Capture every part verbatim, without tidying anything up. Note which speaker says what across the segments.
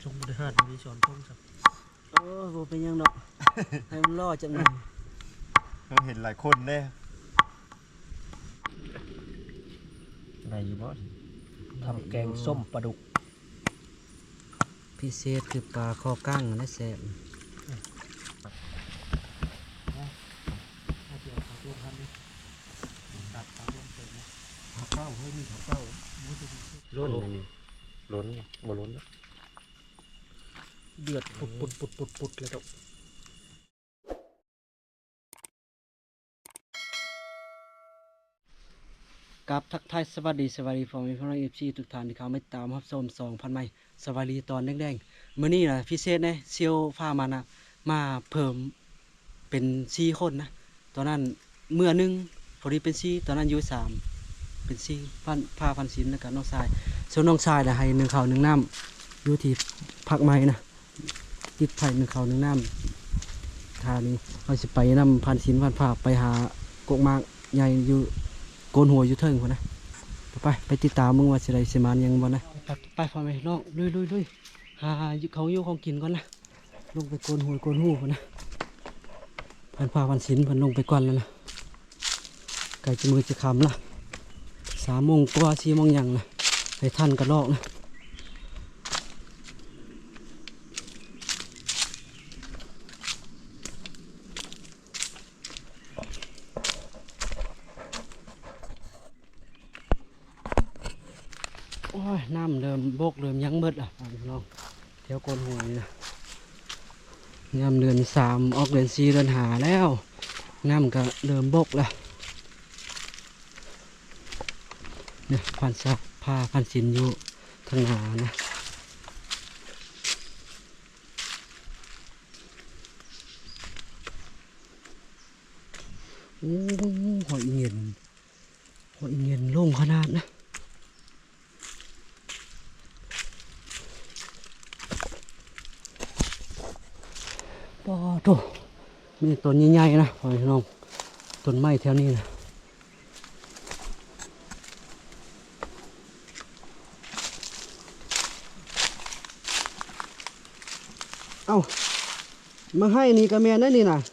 Speaker 1: ชงบริหารมีสอนชงสัก
Speaker 2: โอ้โหเป็นยังดอกให้มันล่อจังเลย
Speaker 3: เราเห็นหลายคนเนี่ยอะไรอยู่บ่
Speaker 1: ทำแกงส้มปลาดุก
Speaker 2: พิเศษคือปลาคอกั้งนะแซ่บล้นเลยนี่
Speaker 3: ล้นบ่ล้น
Speaker 1: เดือดปุดปุดปุดปุดปุดเลยครับ
Speaker 2: กับทักทายสวัสดีสวัสดีพ่อแม่พี่น้องเอฟซีทุกท่านที่เขาไม่ตามรับชมสองพันไม้สวัสดีตอนแดงๆมื้อนี้นะพิเศษนะเซียวฟ้ามานะมาเพิ่มเป็นสี่คนนะตอนนั้นเมื่อนึงพอดีเป็นสี่ตอนนั้นอยู่สามเป็นสี่พันพาพันศิลป์แล้วก็น้องชายส่วนน้องชายนะให้หนึ่งข้าวหนึ่งน้ำอยู่ที่พักไม้นะติดไผ่หนึ่งข้าวหนึ่งน้ำทานี้เราจะไปนำพันศิลป์พันภาพไปหากกมากใหญ่อยู่โกนหัวอยู่เทิงคนนะไปไปติดตามมึงว่าสิได้สิมานยังบ่นะไปไปพ่อแม่น้องลุยลุยลุยหาเขาอยู่ของกินก่อนนะลงไปโกนหัวโกนหูคนนะพันผ้าพันศิลป์พันลงไปก่อนแล้วนะไก่จะมือจะคำละสามโมงกว่าสี่โมงยังนะให้ท่านกระลอกนะโอ้ยน้ำเริ่มโบกเริ่มยั้งมืดอ่ะน้องเที่ยวโกนหัวนี่นะน้ำเดือนสามออกเดือนสี่เดือนหาแล้วน้ำก็เริ่มโบกแล้วเนี่ยพันซักผ้าพันสินอยู่ทางหานะโอ้หอยเงียนหอยเงียนโล่งขนาดนะปอโตมีต้นใหญ่ๆนะพ่อน้องต้นไม้แถวนี้นะเอ้ามาให้นี่กระเมียนนั่นนี่นะ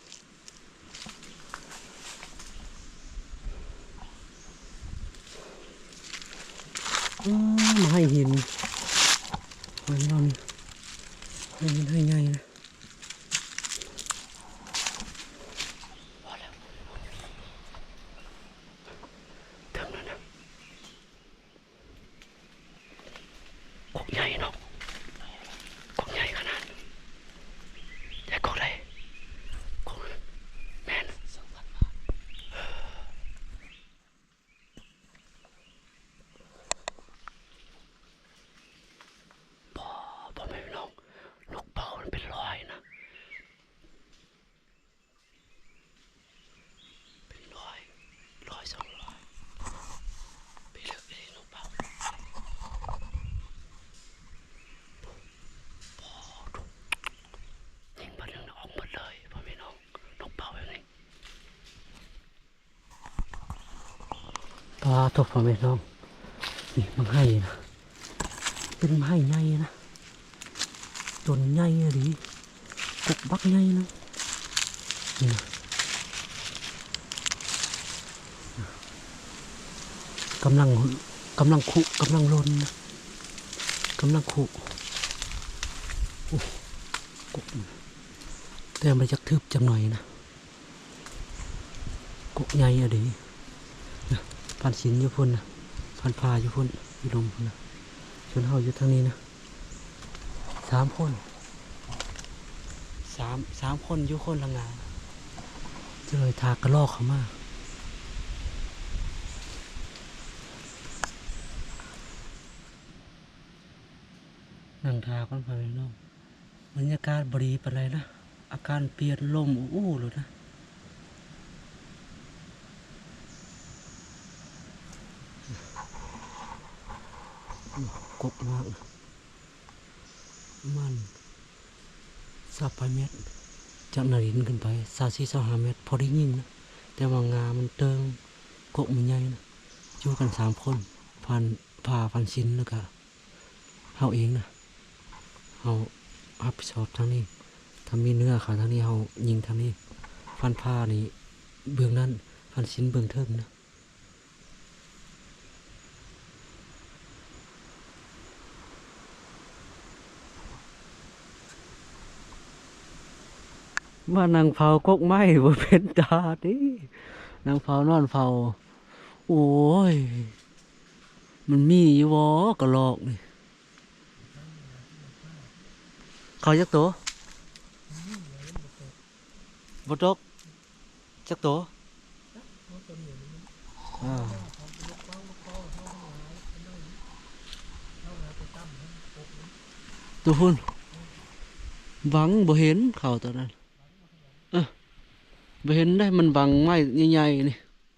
Speaker 2: มาให้หินพ่อน้องให้หินให้ใหญ่นะใหญ่เนาะกบใหญ่ขนาดใหญ่กบอะไรกบแม่นสองพันบาทพอพอไม่ลงนกเป่ามันเป็นร้อยนะเป็นร้อยร้อยสองร้อยไปเลือกไปนกเป่าปลาตกพ่อแม่น้องนี่มันให้นะเป็นไม้ใหญ่นะต้นใหญ่อะดิกกบักใหญ่นะนี่นะกำลังกำลังคุกำลังลนนะกำลังคุกกแต่มันจะทึบจังหน่อยนะกกใหญ่อะดิพันศิลป์อยู่พุ่นนะพันพาอยู่พุ่นอยู่ลมพุ่นนะชนเฮาอยู่ทางนี้นะสามคนสามสามคนอยู่คนละงานจะเลยทากระลอกเขามานั่งทากันไปน้องบรรยากาศบรีไปเลยนะอาการเปลี่ยนลมอู้เลยนะกบมากมันสาไปเม็ดจากนารินขึ้นไปสาสี่สาห้าเมตรพอได้ยิ่งนะแต่ว่างามันเติงกบมันใหญ่นะอยู่กันสามคนพันพาพันชิ้นแล้วก็เฮาเองนะเฮารับผิดชอบทางนี้ถ้ามีเนื้อขาทางนี้เฮายิงทางนี้ฟันผ้านี่เบื้องนั้นฟันชิ้นเบื้องเทิงนะว่านางเผากกไม้บ่เป็นตาดินางเผานอนเผาโอ้ยมันมีอยู่บ่กระลอกนี่เขาจักตัวบ่ตกจักตัวอ่าตัวพุ่นบังบ่เห็นเขาตัวนั้นเออบ่เห็นได้มันบังไม้ใหญ่ๆนี่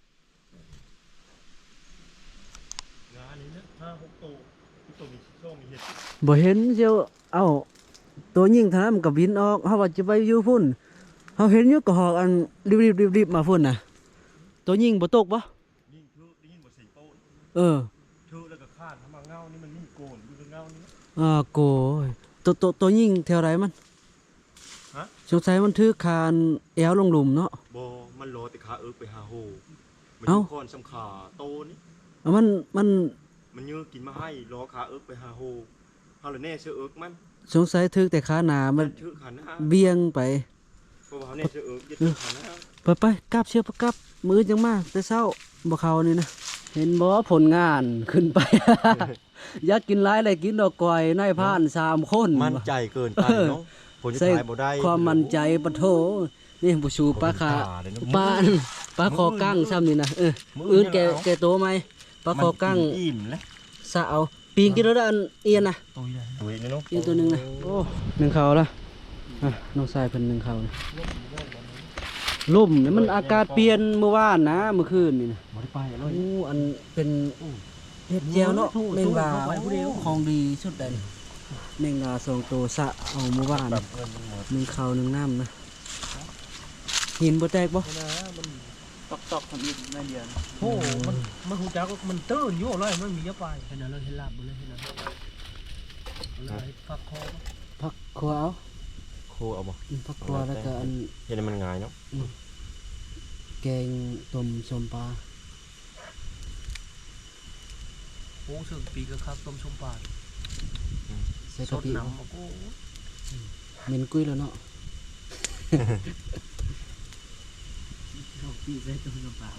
Speaker 3: งานนี้นะห้าหกตัวตัวมีช่องมีเห็ด
Speaker 2: บ่เห็นเจ้าเอ้าตัวยิงเท่านั้นมันก็บินออกเฮาว่าจะไปอยู่พุ่นเฮาเห็นอยู่ก็หอกอันรีบๆๆๆมาพุ่นน่ะตัวยิงบ่ตกบ่
Speaker 3: ยิ่งเทือกได้ยินบทเสียงโต้น
Speaker 2: เออ
Speaker 3: เทือกแล้วก็คาดทำมาเงานี่มันนี่โกนดูเป็นเงานี่
Speaker 2: อ่าโกยตัวตัวตัวยิงแถวไหนมัน
Speaker 3: ฮะ
Speaker 2: สงสัยมันถือคานแอวลงหลุมเนาะ
Speaker 3: บอมันรอแต่ขาเอิกไปหาโฮมัน
Speaker 2: เอ้า
Speaker 3: อยู่คอนสำขาโตนี่
Speaker 2: เอามันมัน
Speaker 3: มันเยื้อกินมาให้รอขาเอิกไปหาโฮฮาเลเน่เสือเอิกมัน
Speaker 2: สงสัยถือแต่ขาหนามัน
Speaker 3: ถือขาหน้า
Speaker 2: เบี่ยงไป
Speaker 3: เพราะว่าเขาเนี่ยเสือเอิกยึดถือขาหน้า
Speaker 2: ไปไปกลับเชือกกลับมือจังมาแต่เช้าบ่เข้านี่นะเห็นบ่ผลงานขึ้นไป อยากกินหลายเลยกินดอกก้อยนายพรานสามคน
Speaker 3: มั่นใจเกินไปเนาะผลจะ
Speaker 2: ใส่
Speaker 3: ถ่ายบ่ได้
Speaker 2: ความมั่นใจปะโถนี่บ่ชูปลาขา
Speaker 3: เลยนะ
Speaker 2: ปลาปลาคอกั้งซ้ำนี่นะเอออื่นแกแกโตไหมปลาคอกั้ง
Speaker 3: มันอิ่มแล้ว
Speaker 2: สะเอาปีนกินแล้วได้อันเอียนนะ
Speaker 1: ตัวใหญ่
Speaker 3: ตัวนี้เนาะ
Speaker 2: อีกตัวหนึงนะโอ้หนึ่งเขาละอ่ะน้องชายเพิ่นหนึ่งเขานะลมเนี่ยมันอากาศเปลี่ยนเมื่อวานนะเมื่อคืนนี่นะ
Speaker 3: บ่ได้ไปเล
Speaker 2: โอ้
Speaker 3: ย
Speaker 2: อันเป็นเห็ดเจียวเนาะแมงดาของดีสุดเลยนี่แมงดาสองตัวสะเอาเมื่อวาน
Speaker 3: แบบเงินมันหมด
Speaker 2: หนึ่งเขาหนึ่งน้ำนะหินบ่แตกบ่
Speaker 1: นะมัน
Speaker 3: ตอกๆทำอีกแม่เดียว
Speaker 1: โอ้มันมันหูจักว่ามันตื้นอยู่เลยมันมีเยอะไปเห็นแล้วเห็นลาบเลยเห็นแล้วเลยฟักคอ
Speaker 2: ผักขวเอา
Speaker 3: โคเอาบ่
Speaker 2: อืมผักขวาแล้วก็อัน
Speaker 3: เห็นมันง่ายเนาะ
Speaker 2: แกงต้มส้มปลา
Speaker 1: โอ้ซึ่งปีก็ครับต้มชมปลา
Speaker 2: ใส่
Speaker 1: ส
Speaker 2: กะ
Speaker 1: ด
Speaker 2: ปิ
Speaker 1: น้ำโอ้โห
Speaker 2: เหม็นกุ้ยแล้วเนาะ
Speaker 1: กะปิใส่ต้มชมปลา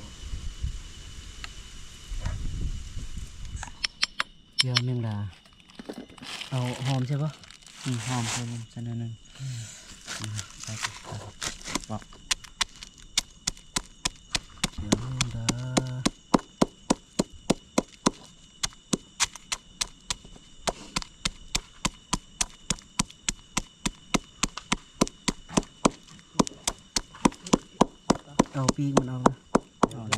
Speaker 2: เจียวแมงดาเอาหอมใช่ปะอืมหอมใช่ผมใส่หนิดนึงอืมใส่ไปบอกเจียวแมงดาเอาปีกมันเอานะเอานะ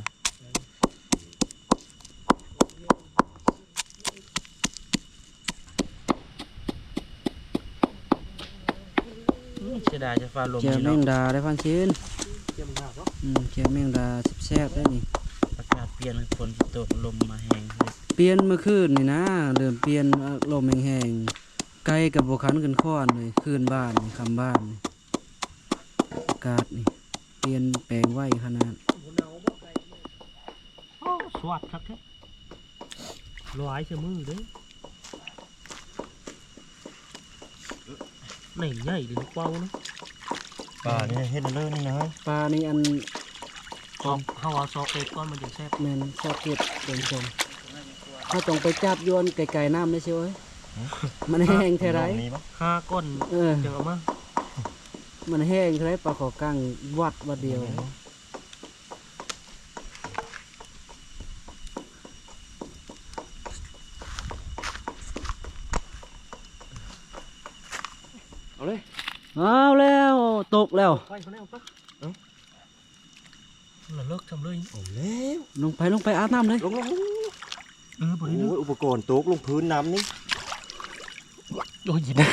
Speaker 1: เสียดายจะฟ้าลม
Speaker 2: เจียวแมงดาได้พันชิ้น
Speaker 1: เจียวมันหนักเนาะ
Speaker 2: อืมเจียวแมงดาแซ่บๆได้นี่
Speaker 1: อากาศเปลี่ยนฝนตกลมมาแห้งเลย
Speaker 2: เปลี่ยนเมื่อคืนนี่นะเริ่มเปลี่ยนลมแห้งๆไกลกับบคันกันค้อนเลยคืนบ้านนี่คำบ้านนี่อากาศนี่เปลี่ยนแปลงไวขนาด
Speaker 1: โอ้สวัสดิ์ครับแท้ลอยเชื่อมือเด้ไหนใหญ่เลยเป้านะ
Speaker 3: ป่านี่เฮ็ดเลยนี่นะ
Speaker 2: ปลานี่อัน
Speaker 1: เอาเขาเอาซอกเป็ดก้อนมันจะแซ่บ
Speaker 2: แมนชอบเก็บเป็นชมถ้าต้องไปจับโยนไกลๆน้ำได้ใช่ไหมมันแห้งเท่าไร
Speaker 3: นี่ปะ
Speaker 1: ห้าก้อน
Speaker 2: เออ
Speaker 1: จังเอามา
Speaker 2: มันแห้งเท่าไรปลาขอกั้งวัดวัดเดียว
Speaker 3: เอาเลย
Speaker 2: เอาแล้วตกแล้ว
Speaker 1: ไปคนนี้เอาปะเอ้าเราเลิกทำเลย
Speaker 3: เอาแล้ว
Speaker 2: ลงไปลงไปอาบน้ำเลย
Speaker 3: ลงลงลง
Speaker 1: เออบริ
Speaker 3: โอ้ยอุปกรณ์ตกลงพื้นน้ำนี่
Speaker 1: โดนยินนะ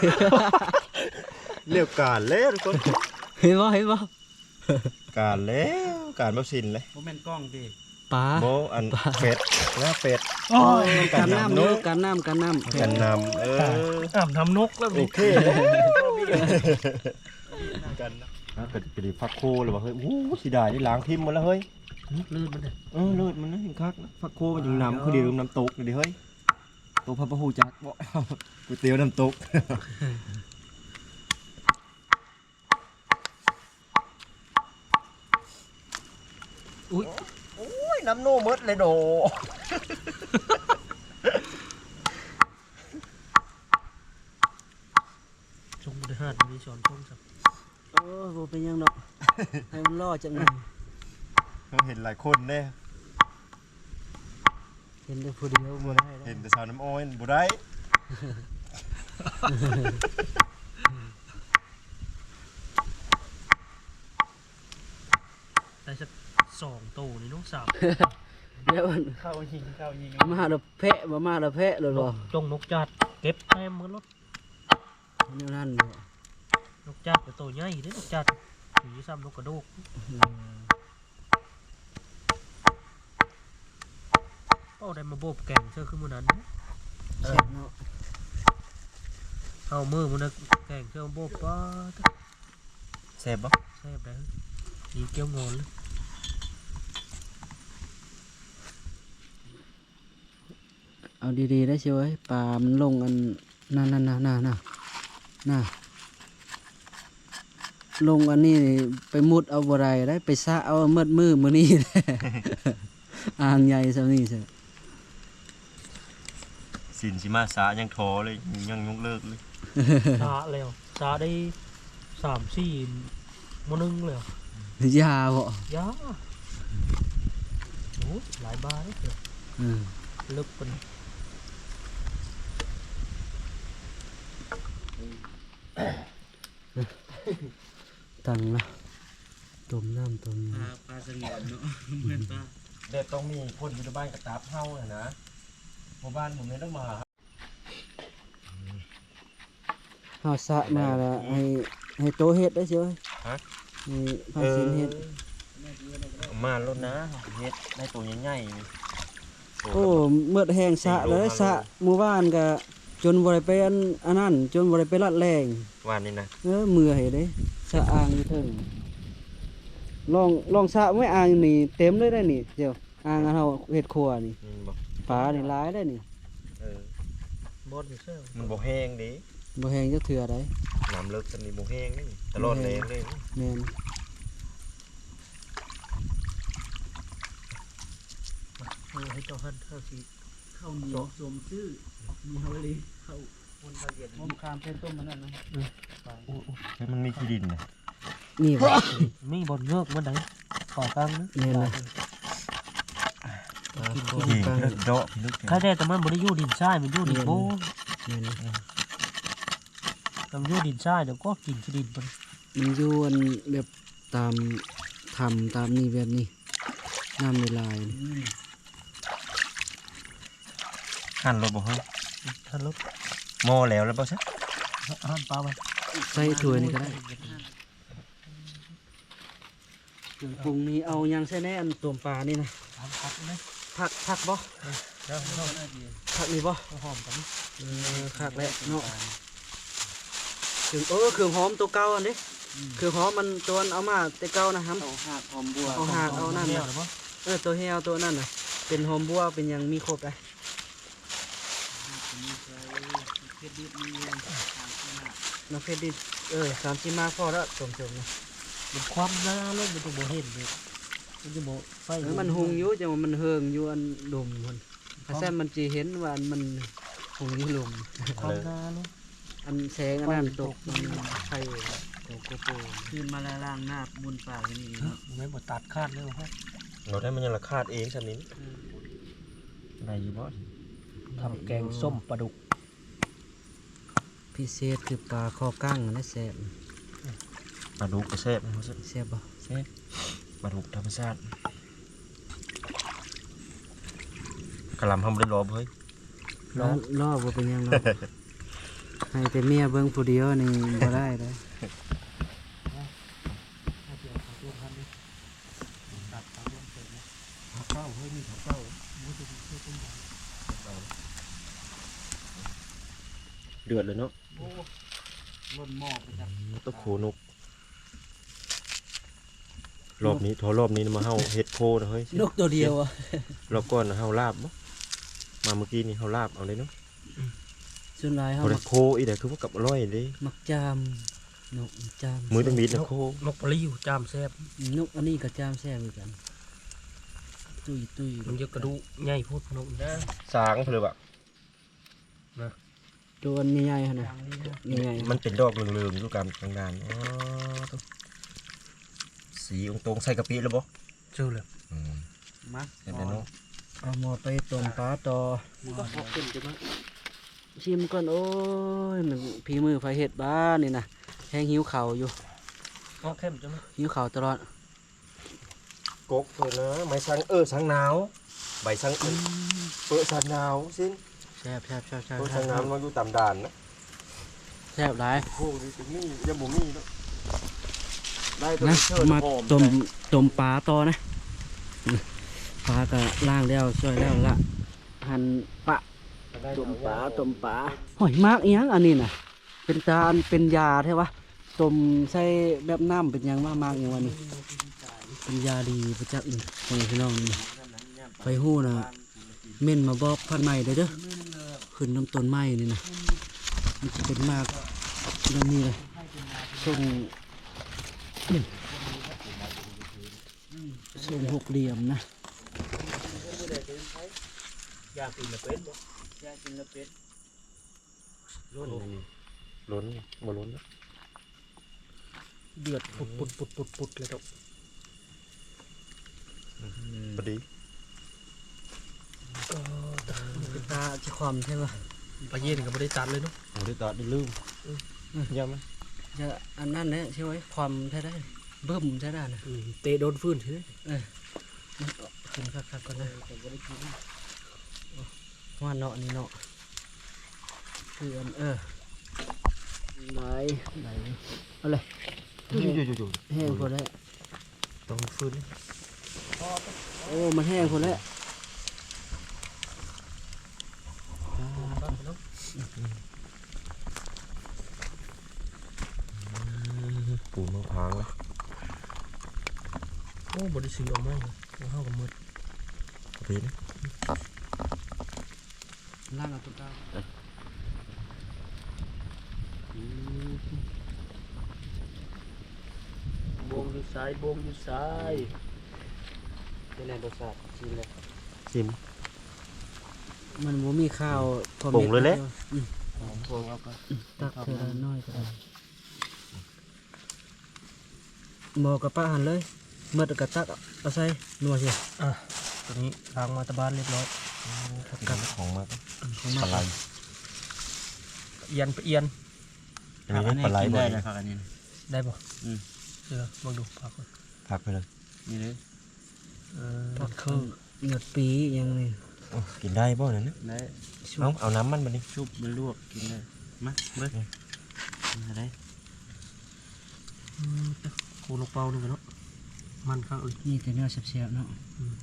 Speaker 3: เรียกการแล้วทุกคน
Speaker 2: เห็นบ่เห็นบ่
Speaker 3: การแล้วการแบบสินเลย
Speaker 2: โมเมนกล้องดิปลา
Speaker 3: โบอันเป็ดนะเป็ด
Speaker 1: โอ้ย
Speaker 2: กันน้ำเนอะกันน้ำกันน้ำ
Speaker 3: กันนำเออ
Speaker 1: อ่ำทำนกแล้ว
Speaker 3: โอ
Speaker 1: นี่
Speaker 3: เคเลยกันนะนะกระดิกระดิกฟักโคเลยว่าเฮ้ยอู้สีดายได้ล้างพิมพ์หมดแล้วเฮ้ย
Speaker 1: ลื่นมันเลย
Speaker 3: เออเลือดมันนะเห็นคักนะฟักโคมันยังนำคือเดียวน้ำตกเลยดิเฮ้ยตัวพับพะหูจักบ่ ก๋วยเตี๋ยวน้ำตก
Speaker 1: อุ้ย
Speaker 3: โอ้ยน้ำโน่มดเลยโด
Speaker 1: ชงบริหารมีช้อนชงสัก
Speaker 2: โอ้ยบ่เป็นหยังดอกให้มันรอจังหน่อย
Speaker 3: เห็นหลายคนเนี่ย
Speaker 2: เห็นแต่ผู้เดียวบ่ได้
Speaker 3: เห็
Speaker 2: แล้ว
Speaker 3: นแต่สาวน้ำอ้อยบ่ได้
Speaker 1: ได้สักสองโตนี่น้องสาว
Speaker 2: เดี๋ยวมัน
Speaker 1: เข้ายิงเข้ายิง
Speaker 2: มาแล้วแพะบ่มาแล้วแพะเลยบ่
Speaker 1: จงนกจัดเก็บแต้มมือรถ
Speaker 2: แนวนั้นบ่
Speaker 1: นกจัดเป็นตัวใหญ่เด้นกจัดสีซ้ำนกกระโดกโอ้ได้มาโบบแก่งเชื่อขึ้นมือนั้น
Speaker 2: แซ่บเนาะ
Speaker 1: เอามือมันนะแก่งเชื่อโบบป้า
Speaker 3: แซ่บบ่
Speaker 1: แซ่บได้ยีเกี้ยวงอนเลย
Speaker 2: เอาดีๆได้เชียวเอ้ยปลามันลงอันนั่นๆๆๆๆน่ะลงอันนี้ไปมุดเอาบ่ได้ได้ไปซะเอาเมิดมือมื้อนี้ อ่างใหญ่ซะนี่ซะ
Speaker 3: สินสิมาสายังทอเลยยังยกเลิกเลย
Speaker 1: สาแล้วสาได้สามสี่โมนึงเลย
Speaker 2: ยาบ่
Speaker 1: ยาโอ้หลายบาทเลย
Speaker 2: อืม
Speaker 1: ลึกเป็น
Speaker 2: ตังละต้มน้ำต้มน้
Speaker 4: ปลาสงวนเนาะเหมือนปลา
Speaker 3: เด็ดต้องมีคนอยู่ในบ้านกับตาบเฮาน่ะนะหมู่บ้านผมไม่ต้องมา
Speaker 2: ำเฮาสะมาแล้วให้ให้โตเฮ็ดได้เชียวเอ้ย
Speaker 3: ฮะ
Speaker 2: ให้พาสินเฮ็ด
Speaker 3: เอามาลดนะเฮ็ดได้ตัวใหญ่ๆนี่
Speaker 2: โอ้เมื่อแห้งสะเลยสะหมู่บ้านก็จนบ่ได้ไปอันอันนั้นจนบ่ได้ไปลัดแรง
Speaker 3: วันนี้นะ
Speaker 2: เออเมื่อยเด้สะอ่างอยู่เทิงลองลองสะไว้อ่างนี่เต็มเลยได้นี่เดี๋ยวอ่างอันเฮาเฮ็ดครัวนี่
Speaker 3: นี่บอก
Speaker 2: ปลานี่หลายได้นี่
Speaker 3: เออบ
Speaker 1: อสอยู่เชื่อ
Speaker 3: มันบ่แห้งดิ
Speaker 2: บ่แห้งจักเทื่อได้
Speaker 3: น้ำเลิกกันนี่บ่แห้งนี่ตลอดแรงเลย
Speaker 2: แม่น
Speaker 1: เอาให้เจ้าหันเข้าสี
Speaker 4: ข้าวเหนียวสมชื่อมีเฮาเลยข้าว
Speaker 1: คนละเอียด
Speaker 4: หอมคามเส้นต้มมันนั่นนะ
Speaker 3: เฮ้ยมันมีขี้ดินนะ
Speaker 2: นี่บ่
Speaker 1: มีบอลเงือกมันไหนขอกลางนะ
Speaker 2: แม่นนะ
Speaker 3: ขี้เลิกเดาะลึก
Speaker 1: ข้าได้แต่มันบริยูดินทรายมันยูดินโบ
Speaker 2: แม่นนะ
Speaker 1: ต้องยูดินทรายเดี๋ยวก็กินขี้ดินมัน
Speaker 2: มันอยู่อันแบบตามทำตามนี่แบบนี้น้ำลายๆนี่
Speaker 3: หั่นรถบ่เฮ้ย
Speaker 1: ทันลบ
Speaker 3: หม้อแล้วแล้วบ่ซะ
Speaker 1: หันปลาไป
Speaker 2: ใส่ถ้วยนี่ก็ได้เครื่องปรุงนี่เอาหยังใส่แน่อันต้มปลานี่นะ
Speaker 1: ทำพักนะ
Speaker 2: ผักผักบ่
Speaker 1: แล้วเรา
Speaker 2: ผักนี่บ่
Speaker 1: หอมกัน
Speaker 2: เออคักแล้วเนาะเครื่องเออเครื่องหอมตัวเก่าอันนี้เครื่องหอมมันตัวอันเอามาแต่เก่านะครับ
Speaker 4: เอาหากหอมบัว
Speaker 2: เอาหากเอานั่น
Speaker 1: เนี่
Speaker 2: น่ะ
Speaker 1: ยหรือเปล่า
Speaker 2: เออตัวแฮวตัวนั่นน่ะเป็นหอมบัวเป็นหยังมีครบเลย
Speaker 4: เผ็ดดิบมีเงินหากขนาด
Speaker 2: น้ำเผ็ดดิเออสามสิบมาพอแล้วต้มๆนะ
Speaker 1: มันความหน้าลงมันจะโบเห็นเลยมันจะโบไฟ
Speaker 2: เออมันหุงอยู่จังว่ามันเฮิงอยู่อันดมมันถ้าแซ่บมันจะเห็นว่าอันมันหุงอยู่ลม
Speaker 1: ความหน้าลง
Speaker 2: อันแสงอันนั้นตกมันไข่ตกโกโปร
Speaker 4: คืนมาละล่างหน้าบุญปากกันนี่เนาะ
Speaker 1: ไม่บดตัดคาดเลยวะ
Speaker 3: เราได้มันยังราคาดเองซะนี้ได้อยู่บ่
Speaker 1: ทำแกงส้มปลาดุก
Speaker 2: พิเศษคือปลาคอกั้งอันนะแซ่บ
Speaker 3: ปลาดุกก็แซ่บนะ
Speaker 2: แซ่บบ่
Speaker 3: แซ่บปลาดุกธรรมชาติกะหล่ำทำบ่ได้รอบ่เฮ้ย
Speaker 2: ล้อล้อบ่เป็นหยังหรอกให้แต่เมียเบิ่งผู้เดียวนี่บ่ได้เด้อ
Speaker 1: ตัดปลาดุกเสร็จนะ
Speaker 2: เข้าเฮ้
Speaker 3: เดือดเลยเนาะ
Speaker 4: โอ้ล้นหม้อไปจับ
Speaker 3: ตะโขนกรอบนี้ทอรอบนี้มาเฮาเฮ็ดโคนะเฮ้ย
Speaker 2: นกตัวเดียวอ่ะ
Speaker 3: รอบก่อนนะเฮาลาบบ่มาเมื่อกี้นี่เฮาลาบเอาเลยเนาะ
Speaker 2: ส่วนหลายเฮา
Speaker 3: พอได้
Speaker 2: มัก
Speaker 3: โคอีเด้คือว่ากับอร่อยเด้
Speaker 2: มักจามนกจาม
Speaker 3: มือต้องมีดนะโคน
Speaker 1: กปลิวจามแซ่บ
Speaker 2: นกอันนี้ก็จามแซ่บเหมือนกันตุ้ยตุ้ย
Speaker 1: มันจะกระดูกใหญ่พูดนกนะ
Speaker 3: สางเพิ่นเลยบ่
Speaker 2: ตัวอันใหญ่ๆหั่นน่ะใหญ่ๆ
Speaker 3: มันเป็นดอกเหลืองๆอยู่กลางกลางดานอ๋อตุ๊สีองตรงใส่กะปิแล้วบ่
Speaker 1: เจอเลย
Speaker 3: อืม
Speaker 4: มา
Speaker 3: เห็นแล้วเนาะ
Speaker 2: เอาหม้อไปต้มปลาต่อ
Speaker 1: ก็พอขึ้นใช่ไหม
Speaker 2: ชิมก่อนโอ้ยมันพีมือไฟเห็ดบ้านนี่นะแห้งหิวเข่าวอยู่
Speaker 1: อ๋อเข้มใช่ไหม
Speaker 2: หิวเข่าวตลอด
Speaker 3: กกเพิ่นนะไม้สังเออสังหนาวใบสังเออเปิดสังหนาวซิ
Speaker 2: แซ่บแซ่บแซ่บแซ่บ
Speaker 3: เปิดสังหนาวมันอยู่ตามด่านนะ
Speaker 2: แซ่บหลาย
Speaker 3: โอ้ดิมียังบ่มีเนาะได้ตัว
Speaker 2: นะ
Speaker 3: เชิญ
Speaker 2: มา
Speaker 3: หอม
Speaker 2: ต้มต้มปลาต่อนะปลาก็ล่างแล้วช่วยแล้วละหั่นปะต้มปลาต้มปลาหอยมากอีหยังอันนี้น่ะ เป็นจานเป็นยาใช่ปะต้มใส่แบบน้ำเป็นหยังมากมากอย่างวันนี้เป็นยาดีประจักษ์นี่ของพี่น้องนี่ไปหู้นะเม่นมาบอกพันใหม่เด้อเด้อขึ้นน้ำต้นไม้นี่นะมันจะเป็นมากแล้วนี่เลยทรงทรงหกเหลี่ยมนะ
Speaker 1: ยากินละเป็นบ่
Speaker 2: ยากินละเป็ด
Speaker 3: ล้นนี่ล้นบ่ล้นนะ
Speaker 1: เดือดปุดปุดปุดปุดปุดเลยดอก
Speaker 3: พอดี
Speaker 2: เป็นตาจะความใช่ปะ
Speaker 1: ปลาเย็นก็ไม่ได้ตัดเลยเนาะ
Speaker 3: บ่ได้ตัดได้ลืมยามมั้ย
Speaker 2: จะอันนั้นเนี่ยใช่ไหมความใช่ได้เบิ่มใช่ได้นะ
Speaker 1: อืมเตะโดนฟื้นใช่ไหม
Speaker 2: กินคักๆก่อนนะว่าเนาะนี่เนาะคืออันเออไหนไหนเอาเลย
Speaker 3: อยู่ๆๆ
Speaker 2: แห้งคนแล้ว
Speaker 1: ต้องฟื้น
Speaker 2: โอ้มันแห้งคนแล้ว
Speaker 3: ๆปูนมะพร้าวนะ
Speaker 1: โอ้บริสุทธิ์ออกมาเลยเข้ากับมืด
Speaker 3: พอดีนะ
Speaker 2: ล่างเอาตุ๊กตา
Speaker 1: บวงอยู่ซ้ายบวงอยู่ซ้าย
Speaker 2: เป็นไงรสชาติชิมเลย
Speaker 3: ชิม
Speaker 2: มันบ่มีข้าวพอ
Speaker 3: ปรุงเลยแหละ
Speaker 2: อืม
Speaker 1: บวงเอาไป
Speaker 2: ตักเท่าน้อยก็ได้หมอกระปะหันเลยเมื่อกระตักเอาใส่นัวเชียว
Speaker 1: อ่ะตอนนี้ล้างมาตะบานเรียบร้อย
Speaker 3: กันของมาก
Speaker 2: ของ
Speaker 3: ป
Speaker 2: มา
Speaker 3: ลาไหล
Speaker 1: เอียนไปเอียน
Speaker 3: อันนี้ปลาไหลบ่
Speaker 4: ได้
Speaker 3: ได้
Speaker 4: แล้วครับอันนี้
Speaker 1: ได้บ่
Speaker 4: อืม
Speaker 1: เดี๋ยวลองดูพักก่อน
Speaker 3: พักไปเลย
Speaker 4: นี่เลย
Speaker 1: เออ
Speaker 2: ผัก
Speaker 1: เครื่อง
Speaker 2: เหงือดปีอยังนี่
Speaker 3: กินได้บ่นั่นนะ
Speaker 4: ได้
Speaker 3: เอาเอาน้ำมันมาดิ
Speaker 4: ชุบมันลวกกินได้มาเบิ้ลอะไร
Speaker 1: อืมโคลูกเป้านี่กันเนาะมันข้างอื่น
Speaker 2: นี่แต่เนื้อเสียบๆเนาะ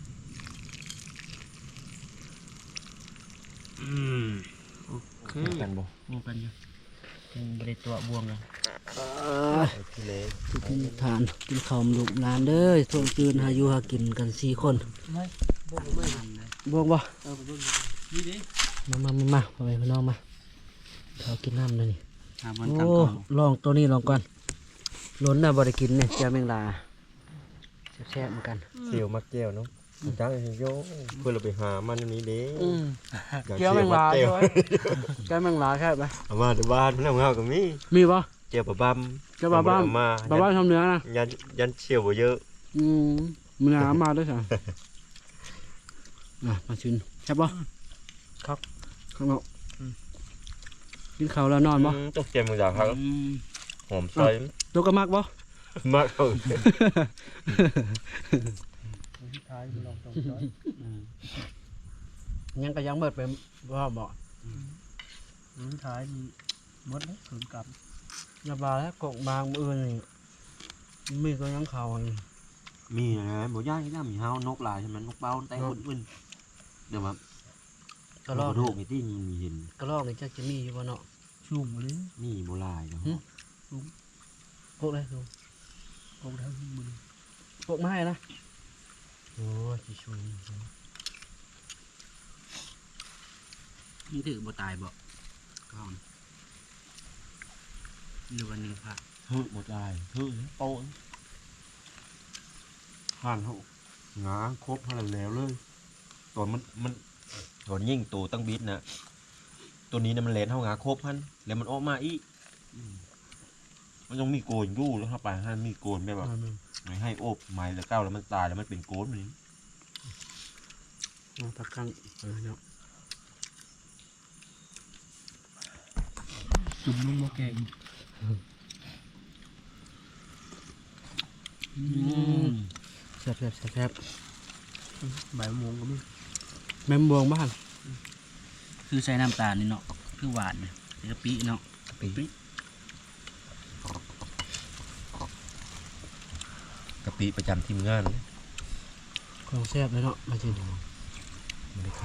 Speaker 4: อืมโอเค
Speaker 3: กันบ่
Speaker 4: บวกกันอยู่ยังบริตัวบวงกัน
Speaker 3: พี่เล็ก
Speaker 2: ทุกที่ทานกินข้าวลูกหลานเด้อทวงคืนหาอยู่หากินกันสี่คน
Speaker 1: ไม่บ่บ่ไม่
Speaker 2: บวกบ่
Speaker 1: เออบ่บ่นี่ดิ
Speaker 2: มามามามาพ่อแม่พี่น้องมาเขากินน้ำเลยนี่
Speaker 4: หาบอล
Speaker 2: โอ้
Speaker 4: กลางกอง
Speaker 2: ลองตัวนี้ลองก่อนล้นน่ะบ่ได้กินเนี่ยเจ้าแมงลาแซ่บๆเหมือนกัน
Speaker 3: เสี่ยวมักแก้วเนาะจังโยเพื่อเราไปหามันนี้เด้
Speaker 2: อืม
Speaker 3: อยาก
Speaker 2: เจ้า
Speaker 3: เสี่
Speaker 2: แม
Speaker 3: ยว
Speaker 2: ง
Speaker 3: มั
Speaker 2: ลาก
Speaker 3: แก้ว
Speaker 2: ใช่ไหมเจ้าแมงลาแค่ไหม
Speaker 3: เอามาที่บ้านแล้วเงาก็มี
Speaker 2: มีบ่
Speaker 3: เจียวปลาบัม
Speaker 2: เจ้าบ้าบ้าน
Speaker 3: เอมา
Speaker 2: บ้าบ้านทำเนื้อนะ
Speaker 3: ยันยันเสี่ยวบ่เยอะ
Speaker 2: อืมมันหามาด้วยสั่งอ่ะมาชิมใช่ปะครับข้างนอกกินข้าวแล้วนอนปะ
Speaker 3: อืมตกใจมึงอยากครับ
Speaker 4: อืม
Speaker 3: หอมซอย
Speaker 2: ตัวก็มากปะ
Speaker 3: มากเลย
Speaker 1: ท้ายลองตรงจ้อย
Speaker 2: ยังก็ยังเบิดไปว่าบอก
Speaker 1: อืมท้ายมีมดเลยถึงกับ
Speaker 2: อย่าบาแล้วกกบางมือนี่มีก็ยังเข่าอยู่
Speaker 3: มีนะบ่ย่างย่างมีเฮานกลายใช่ไหมนกเป้าแต่อุ่นๆเดี๋ยวมาก
Speaker 2: ระลอก
Speaker 3: ดูกนี่ที่มีเห็น
Speaker 2: กระลอกนี่จะจะมีอยู่บ่เนาะ
Speaker 3: ช
Speaker 1: สูงเลย
Speaker 3: นี่โบราณเนาะ
Speaker 2: โกกเลยดู
Speaker 1: กองเท้ามือ
Speaker 2: โกกมาให้นะ
Speaker 3: โอ้ยที่ช่วย
Speaker 4: นี่ถือบ่ตายบ่ก้อนหรือวันนี้พระ
Speaker 3: ฮึหมดได้ฮึโตผ่านเขางาครบผ่านแล้วเลยตอนมันมันตอนยิ่งตัวตั้งบิดนะตัวนี้เนี่ยมันเลนเท่างาครบพันแล้วมันออกมาอีกมันต้องมีโกนยู่แล้วเข้าไปให้มีโกนแบบไม่ให้โอบไม้แล้วเก้าแล้วมันตายแล้วมันเป็นโกนนี่
Speaker 2: เอาผักกังเออเนาะ
Speaker 1: จุ่มลงมาแกง
Speaker 2: แซ่บแซ่บแซ่บแซ่บ
Speaker 1: ใบมะม่วงก็มี
Speaker 2: แม่มบวงบ้าน
Speaker 4: คือใส่น้ำตาลนี่เนาะคือหวานเนี่ยกะปิเนาะ
Speaker 3: ปีกะปิประจำทีมงาน
Speaker 2: ของแซ่บเลยเนาะมาจริง
Speaker 3: ไม่ได้ค่า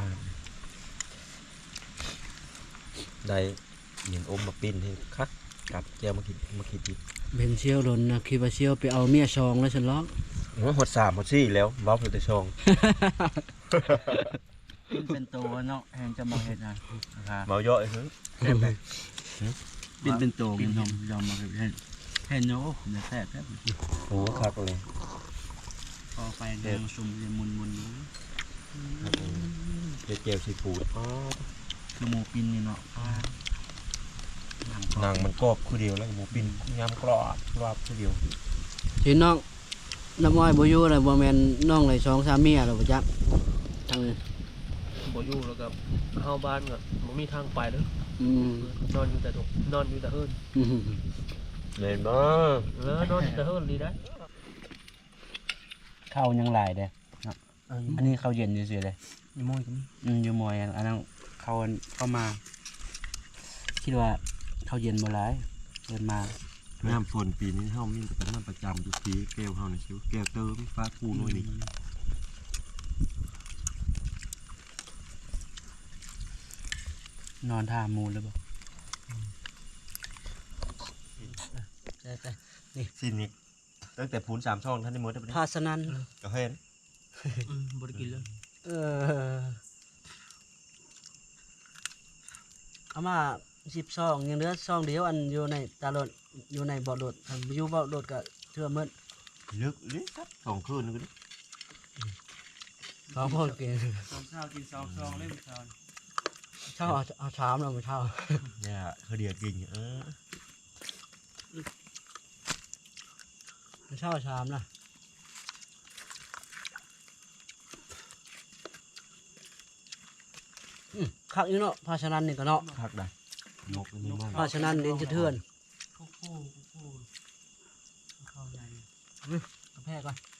Speaker 3: ได้เหยียนอมมาปิ้นให้คักกับแก้วมาคิดมาคิดดิ
Speaker 2: เบนเชียวโดนนะคิดว่าเชียวไปเอาเมียชองแล้วฉันร้อง
Speaker 3: โอ้ยหดสามหดสี่แล้วว้าวแต่ชอง
Speaker 4: เป็นตัวเนาะแทนจะมาเห็ดนะนะครับ
Speaker 3: เมาเยอะเลยเฮ้ย
Speaker 4: เป็นเป็นตัวมันยอมยอมมาเห็ดแทนแทนเนาะเดี๋ยวแซ่บแซ่บ
Speaker 3: โอ้คักเลย
Speaker 4: พอไฟแดงซุ่มจะมุนมุนนี้
Speaker 3: เด็ดเจียวซีฟู้ดอ๋อ
Speaker 4: คือหมูปิ้นนี่เนาะอ่าหนัง
Speaker 3: หนังมันกรอบคือเดียวแล้วหมูปิ้นยำกรอบกรอบคือเดียว
Speaker 2: ทีน้องน้ำอ้อยบ่อยู่เลยบ่แม่นน้องเลยสองสามเมียหรอกจักทาง
Speaker 1: บ่อยู่แล้วก็เข้าบ้านก็บ่มีทางไปเลย
Speaker 2: อืม
Speaker 1: นอนอยู่แต่ตรงนอนอยู่แต่เฮิร์น
Speaker 2: อืม
Speaker 3: เล่นบ้า
Speaker 1: เออนอนอยู่แต่เฮิร์นดีได้
Speaker 4: ข้าวยังหลายเด้ออันนี้ข้าวเย็นเฉยๆเลย
Speaker 1: มีมอยก็มี
Speaker 4: อืมอยู่มวยอันอันนั้นเขาเข้ามา คิดว่าเขาเย็นมาหลายเดินมา
Speaker 3: น้ำฝนปีนี้เฮามีแต่เป็นน้ำประจำทุกปีแก้วเฮานี่ชิวแก้วเติมฟ้าคูน้อยนี่
Speaker 4: นอนท่ามูลเลยบ่
Speaker 2: ใช่
Speaker 3: สิ้นนี้ตั้งแต่พูนสามช่องท่านได้หมดได้
Speaker 2: ๆภาสนัน
Speaker 3: ก็เห็น
Speaker 1: อืมบ่ได้กินเลย
Speaker 2: เออเอามาสิบซองยังเหลือซองเดียวอันอยู่ในตาโหลดอยู่ในบ่อโหลดอันอยู่บ่อโหลดก็เทื่อมืด
Speaker 3: ลึกลิครับสองคืนนึงก็ดิ
Speaker 2: สองคนกิน
Speaker 4: สองเช้ากินสองซองเล่มเช้า
Speaker 2: เช่าเอาเอาชามเราไปเช่า
Speaker 3: เนี่ยเขาเดียกินเออ
Speaker 2: เช่าชามนะอืมคักอยู่เนาะภาชนันนี่ก็เนาะ
Speaker 3: คักได้ยกนี่มาก
Speaker 2: ภาชนันเรียนจะเทือน
Speaker 4: โค้โค้โค้ข้าวใหญ่
Speaker 2: กาแฟก่อน